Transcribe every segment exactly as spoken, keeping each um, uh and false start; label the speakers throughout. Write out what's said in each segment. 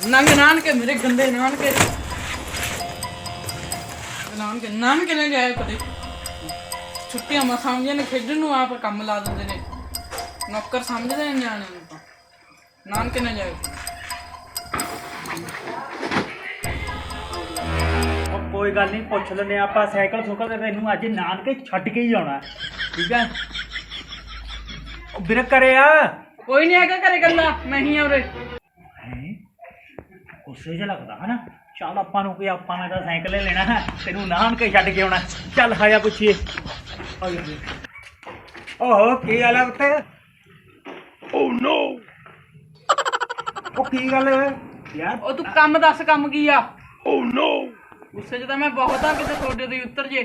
Speaker 1: ਨੰਗ ਨਾਨਕੇ ਮੇਰੇ ਗੰਦੇ ਨਾਨਕੇ ਨਾਨਕੇ ਨਾਨਕੇ ਨਾ ਜਾਇਆ ਕਦੇ ਛੁੱਟੀਆਂ ਮਾ ਸਮਝਦੇ ਨੇ ਖੇਡਣ ਨੂੰ ਆਪ ਕੰਮ ਲਾ ਦਿੰਦੇ ਨੇ ਨੌਕਰ ਸਮਝਦੇ ਨੇ ਨਿਆਣੇ ਨੂੰ ਤਾਂ ਨਾਨਕੇ ਨਾ ਜਾਇਆ
Speaker 2: ਕੋਈ ਗੱਲ ਨਹੀਂ ਪੁੱਛ ਲੈਂਦੇ ਆਪਾਂ ਸਾਈਕਲ ਸੁਕਲ ਤੇ ਤੈਨੂੰ ਅੱਜ ਨਾਨਕੇ ਛੱਡ ਕੇ ਹੀ ਆਉਣਾ ਠੀਕ ਹੈ ਉਹ ਵੀਰ ਕਰੇ ਆ
Speaker 1: ਕੋਈ ਨਹੀਂ ਹੈਗਾ ਘਰੇ ਗੱਲਾਂ ਮੈਂ ਹੀ ਆ ਉਰੇ
Speaker 2: ਗੁੱਸੇ ਜਿਹਾ ਲੱਗਦਾ ਹਨਾ ਚੱਲ ਆਪਾਂ ਨੂੰ ਕੋਈ ਆਪਾਂ ਨੇ ਤਾਂ ਸਾਈਕਲ ਲੈ ਲੈਣਾ ਹੈ ਤੈਨੂੰ ਨਾਨਕੇ ਛੱਡ ਕੇ ਆਉਣਾ ਚੱਲ ਹਾਇਆ ਪੁੱਛੀਏ ਓਹੋ ਕੀ ਹਾਲ ਹੈ ਉੱਤੇ ਓ ਨੋ ਉਹ ਕੀ ਗੱਲ ਹੈ ਯਾਰ
Speaker 1: ਉਹ ਤੂੰ ਕੰਮ ਦੱਸ ਕੰਮ ਕੀ ਆ
Speaker 2: ਓ ਨੋ
Speaker 1: ਗੁੱਸੇ 'ਚ ਤਾਂ ਮੈਂ ਬਹੁਤ ਆ ਕਿਤੇ ਤੁਹਾਡੇ ਦੀ ਉੱਤਰ ਜੇ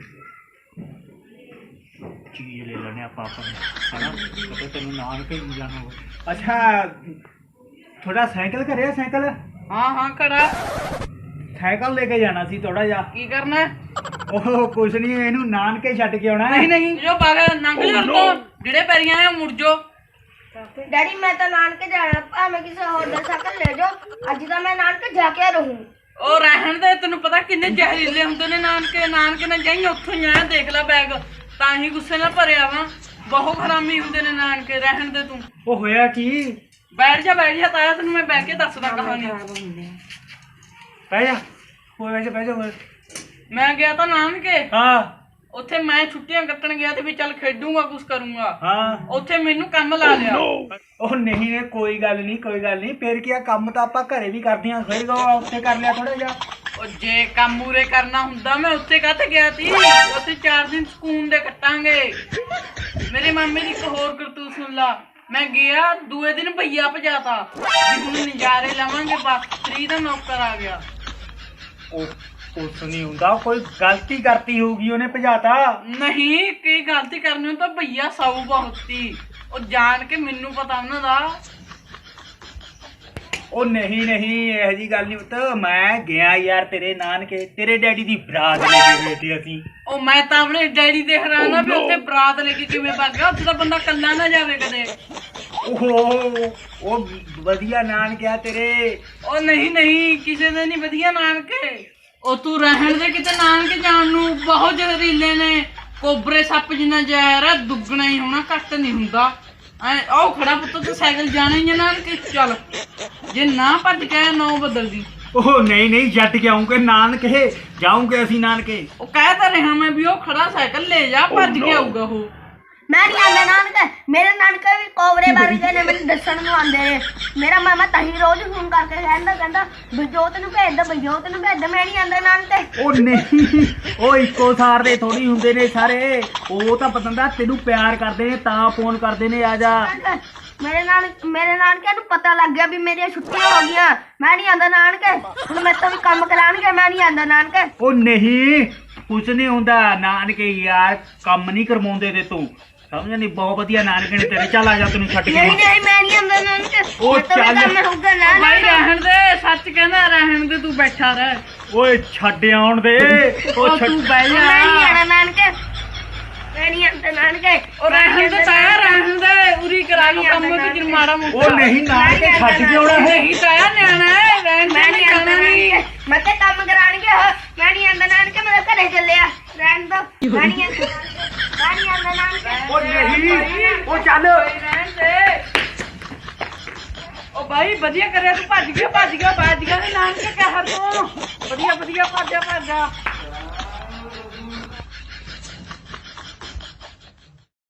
Speaker 2: ਚੀਜ਼ ਲੈ ਲੈਣੇ ਆਪਾਂ ਆਪਾਂ ਹਨਾ ਪਤਾ ਤੈਨੂੰ ਨਾਨਕੇ ਨਹੀਂ ਜਾਣਾ ਹੋਵੇ ਅੱਛਾ ਥੋੜਾ ਸਾਈਕਲ ਕਰਿਆ ਸਾਈਕਲ
Speaker 1: ਹਾਂ ਹਾਂ ਖੜਾ
Speaker 2: ਸਾਈਕਲ ਲੈ ਕੇ ਜਾਣਾ ਸੀ ਥੋੜਾ ਜਿਹਾ
Speaker 1: ਕੀ ਕਰਨਾ
Speaker 2: ਉਹ ਕੁਛ ਨਹੀਂ ਇਹਨੂੰ ਨਾਨਕੇ ਛੱਡ ਕੇ ਆਉਣਾ
Speaker 1: ਨਹੀਂ ਨਹੀਂ ਜੋ ਬਾਗਾ ਨੰਗ ਲਿਆ ਤੋਂ ਜਿਹੜੇ ਪੈਰੀਆਂ ਆ ਮੁੜ ਜੋ
Speaker 3: ਡੈਡੀ ਮੈਂ ਤਾਂ ਨਾਨਕੇ ਜਾਣਾ ਭਾਵੇਂ ਕਿਸੇ ਹੋਰ ਦਾ ਸਾਈਕਲ ਲੈ ਜਾਓ ਅੱਜ ਤਾਂ ਮੈਂ ਨਾਨਕੇ ਜਾ ਕੇ ਰਹੂੰ
Speaker 1: ਉਹ ਰਹਿਣ ਦੇ ਤੈਨੂੰ ਪਤਾ ਕਿੰਨੇ ਜ਼ਹਿਰੀਲੇ ਹੁੰਦੇ ਨੇ ਨਾਨਕੇ ਨਾਨਕੇ ਨਾ ਜਾਈਂ ਉੱਥੋਂ ਹੀ ਆਇਆ ਦੇਖ ਲੈ ਬੈਗ ਤਾਂ ਹੀ ਗੁੱਸੇ ਨਾਲ ਭਰਿਆ ਵਾ ਬਹੁਤ ਹਰਾਮੀ ਹੁੰਦੇ ਨੇ ਨਾਨਕੇ ਰਹਿਣ ਦੇ ਤੂੰ
Speaker 2: ਉਹ ਹੋਇਆ ਕੀ
Speaker 1: ਬੈਠ ਜਾ ਬੈਠ ਜਾ ਤਾਇਆ ਤੈਨੂੰ ਮੈਂ ਬਹਿ ਕੇ ਦੱਸਦਾ ਕਹਾਣੀ
Speaker 2: ਬਹਿ ਜਾ ਕੋਈ ਵੈਸੇ ਬਹਿ ਜਾ ਹੋਰ
Speaker 1: ਮੈਂ ਗਿਆ ਤਾਂ ਨਾਨਕੇ
Speaker 2: ਹਾਂ
Speaker 1: ਉੱਥੇ ਮੈਂ ਛੁੱਟੀਆਂ ਕੱਟਣ ਗਿਆ ਤੇ ਵੀ ਚੱਲ ਖੇਡੂੰਗਾ ਕੁਛ ਕਰੂੰਗਾ
Speaker 2: ਹਾਂ
Speaker 1: ਉੱਥੇ ਮੈਨੂੰ ਕੰਮ ਲਾ ਲਿਆ
Speaker 2: ਉਹ ਨਹੀਂ ਨੇ ਕੋਈ ਗੱਲ ਨਹੀਂ ਕੋਈ ਗੱਲ ਨਹੀਂ ਫਿਰ ਕੀ ਆ ਕੰਮ ਤਾਂ ਆਪਾਂ ਘਰੇ ਵੀ ਕਰਦੇ ਆਂ ਫਿਰ ਉੱਥੇ ਕਰ ਲਿਆ ਥੋੜਾ ਜਿਹਾ
Speaker 1: ਉਹ ਜੇ ਕੰਮ ਮੂਰੇ ਕਰਨਾ ਹੁੰਦਾ ਮੈਂ ਉੱਥੇ ਕਾਹਤੇ ਗਿਆ ਸੀ ਉੱਥੇ ਚਾਰ ਦਿਨ ਸਕੂਨ ਦੇ ਕੱਟਾਂਗੇ ਮੇਰੇ ਮਾਮੇ ਦੀ ਇੱਕ ਹੋਰ ਕਰਤੂਤ ਸੁਣ ਲਾ ਮੈਂ ਗਿਆ ਦੂਏ ਦਿਨ ਭਈਆ ਭਜਾਤਾ ਵੀ ਹੁਣ ਨਜ਼ਾਰੇ ਲਵਾਂਗੇ ਬਸ ਤਰੀ ਦਾ ਨੌਕਰ ਆ ਗਿਆ
Speaker 2: ਉਹ ਕੁਛ ਨਹੀਂ ਹੁੰਦਾ ਕੋਈ ਗਲਤੀ ਕਰਤੀ ਹੋਊਗੀ ਉਹਨੇ ਭਜਾਤਾ
Speaker 1: ਨਹੀਂ ਕੀ ਗਲਤੀ ਕਰਨੀ ਉਹ ਤਾਂ ਭਈਆ ਸੌ ਬਹੁਤ ਸੀ ਉਹ ਜਾਣ ਕੇ ਮੈਨੂੰ ਪਤਾ ਉਹਨਾਂ ਦਾ
Speaker 2: ਉਹ ਨਹੀਂ ਨਹੀਂ ਇਹੋ ਜੀ ਗੱਲ ਨਹੀਂ ਪੁੱਤ ਮੈਂ ਗਿਆ ਯਾਰ ਤੇਰੇ ਨਾਨਕੇ ਤੇਰੇ ਡੈਡੀ ਦੀ ਬਰਾਤ ਲੈ ਕੇ ਬੈਠੇ ਅਸੀਂ
Speaker 1: ਉਹ ਮੈਂ ਤਾਂ ਆਪਣੇ ਡੈਡੀ ਦੇ ਹੈਰਾਨ ਆ ਵੀ ਉੱਥੇ ਬਰਾਤ ਲੈ ਕੇ ਕਿਵੇਂ ਭੱਜ ਗਿਆ ਉੱਥੇ ਤਾਂ ਬੰਦਾ ਕੱਲਾ ਨਾ ਜਾਵੇ ਕਦੇ
Speaker 2: ਓਹੋ ਉਹ ਵਧੀਆ ਨਾਨਕਿਆ ਤੇਰੇ
Speaker 1: ਉਹ ਨਹੀਂ ਨਹੀਂ ਕਿਸੇ ਦੇ ਨਹੀਂ ਵਧੀਆ ਨਾਨਕੇ ਉਹ ਤੂੰ ਰਹਿਣ ਦੇ ਕਿਤੇ ਨਾਨਕੇ ਜਾਣ ਨੂੰ ਬਹੁਤ ਜ਼ਹਿਰੀਲੇ ਨੇ ਕੋਬਰੇ ਸੱਪ ਜਿੰਨਾ ਜ਼ਹਿਰ ਆ ਦੁੱਗਣਾ ਹੀ ਹੋਣਾ ਘੱਟ ਨਹੀਂ ਹੁੰਦਾ ਐ ਉਹ ਖੜਾ ਪੁੱਤ ਤੂੰ ਸਾਈਕਲ ਜਾਣਾ ਹੀ ਨਾਨਕੇ ਚੱਲ ਜੇ ਨਾ ਭੱਜ ਕੇ ਨੌ ਬਦਲ ਦੀ
Speaker 2: ਉਹ ਨਹੀਂ ਨਹੀਂ ਛੱਡ ਕੇ ਆਉਂਗੇ ਨਾਨਕੇ ਜਾਉਂਗੇ ਅਸੀਂ ਨਾਨਕੇ
Speaker 1: ਉਹ ਕਹਿ ਤਾਂ ਰਿਹਾ ਮੈਂ ਵੀ ਉਹ ਖੜਾ ਸਾਈਕਲ ਲੈ ਜਾ ਭੱਜ ਕੇ ਆਊਗਾ ਉਹ
Speaker 3: ਮੈਂ ਨਹੀਂ ਆਂਦਾ ਨਾਨਕੇ ਮੇਰੇ ਨਾਨਕੇ ਵੀ ਕੋਬਰੇ ਵਰਗੇ ਨੇ ਮੈਨੂੰ ਦੱਸਣ ਨੂੰ ਆਉਂਦੇ ਨੇ ਮੇਰਾ ਮਾਮਾ ਤਾਹੀ ਰੋਜ਼ ਫੋਨ ਕਰਕੇ ਕਹਿੰਦਾ ਕਹਿੰਦਾ ਬਜੋਤ ਨੂੰ ਭੇਜ ਦੇ ਬਜੋਤ ਨੂੰ ਭੇਜ ਦੇ ਮੈਂ ਨਹੀਂ ਆਂਦਾ ਨਾਨਕੇ
Speaker 2: ਉਹ ਨਹੀਂ ਉਹ ਇੱਕੋ ਸਾਰ ਦੇ ਥੋੜੀ ਹੁੰਦੇ ਨੇ ਸਾਰੇ ਉਹ ਤਾਂ ਪਤੰਦਾ ਤੈਨੂੰ ਪਿਆਰ ਕਰਦੇ ਨੇ ਤਾਂ ਫੋਨ ਕਰਦੇ ਨੇ ਆ ਜਾ
Speaker 3: ਮੇਰੇ ਨਾਲ ਮੇਰੇ ਨਾਨਕੇ ਨੂੰ ਪਤਾ ਲੱਗ ਗਿਆ ਵੀ ਮੇਰੀਆਂ ਛੁੱਟੀਆਂ ਹੋ ਗਈਆਂ ਮੈਂ ਨਹੀਂ ਆਂਦਾ ਨਾਨਕੇ ਹੁਣ ਮੈਂ ਤਾਂ ਵੀ ਕੰਮ ਕਰਾਉਣਗੇ ਮੈਂ ਨਹੀਂ ਆਂਦਾ ਨਾਨਕੇ
Speaker 2: ਉਹ ਨਹੀਂ ਕੁਛ ਨਹੀਂ ਹੁੰਦਾ ਨਾਨਕੇ ਯਾਰ ਕੰਮ ਨਹੀਂ ਕਰਵਾਉਂਦੇ ਤੇ ਤੂੰ ਸਮਝ ਨਹੀਂ ਬਹੁਤ ਵਧੀਆ ਨਾਨਕੇ ਨੇ ਤੇਰੇ ਚੱਲ ਆ ਜਾ ਤੈਨੂੰ ਛੱਡ ਕੇ
Speaker 3: ਨਹੀਂ ਨਹੀਂ ਮੈਂ ਨਹੀਂ ਆਂਦਾ ਨਾਨਕੇ
Speaker 2: ਉਹ ਚੱਲ
Speaker 3: ਹੋਊਗਾ ਨਾ
Speaker 1: ਭਾਈ ਰਹਿਣ ਦੇ ਸੱਚ ਕਹਿੰਦਾ ਰਹਿਣ ਦੇ ਤੂੰ ਬੈਠਾ ਰਹਿ
Speaker 2: ਓਏ ਛੱਡ ਆਉਣ ਦੇ
Speaker 1: ਉਹ ਤੂੰ ਬਹਿ ਜਾ
Speaker 3: ਮੈਂ ਨਹੀਂ ਆਣਾ ਨਾਨਕੇ ਮੈਂ ਨਹੀਂ ਆਂਦਾ ਨਾਨਕੇ
Speaker 1: ਉਹ ਰਹਿਣ ਦੇ ਤਾਇਆ ਰਹਿਣ ਦੇ ਉਰੀ ਕਰਾ ਲੂ ਕੰਮ ਵਿੱਚ ਮਾੜਾ ਮੋਟਾ
Speaker 2: ਉਹ ਨਹੀਂ ਨਾਨਕੇ ਛੱਡ ਕੇ ਆਉਣਾ ਹੈ
Speaker 1: ਨਹੀਂ ਤਾਇਆ ਨਿਆਣਾ ਹੈ ਰਹਿਣ
Speaker 3: ਮੈਂ
Speaker 1: ਦੇ
Speaker 3: ਨਹੀਂ ਆਂਦਾ ਨਾਨਕੇ ਮੈਂ ਤੇ ਕੰਮ ਕਰਾਣਗੇ ਮੈਂ ਨਹੀਂ ਆਂਦਾ ਨਾਨਕੇ ਮੈਂ ਘਰੇ ਚੱਲਿਆ ਰਹਿਣ ਦੋ ਮੈਂ ਨਹੀਂ ਆਂਦਾ ਮੈਂ ਨਹੀਂ ਆਂਦਾ ਨਾਨਕੇ
Speaker 2: ਉਹ ਨਹੀਂ ਉਹ ਚੱਲ
Speaker 1: ਰਹਿਣ ਦੇ ਉਹ ਭਾਈ ਵਧੀਆ ਕਰਿਆ ਤੂੰ ਭੱਜ ਗਿਆ ਭੱਜ ਗਿਆ ਭੱਜ ਗਿਆ ਨਾਨਕੇ ਕਹਿ ਹਰ ਤੂੰ ਵਧੀਆ ਵਧੀਆ ਭੱਜਾ ਭੱਜਾ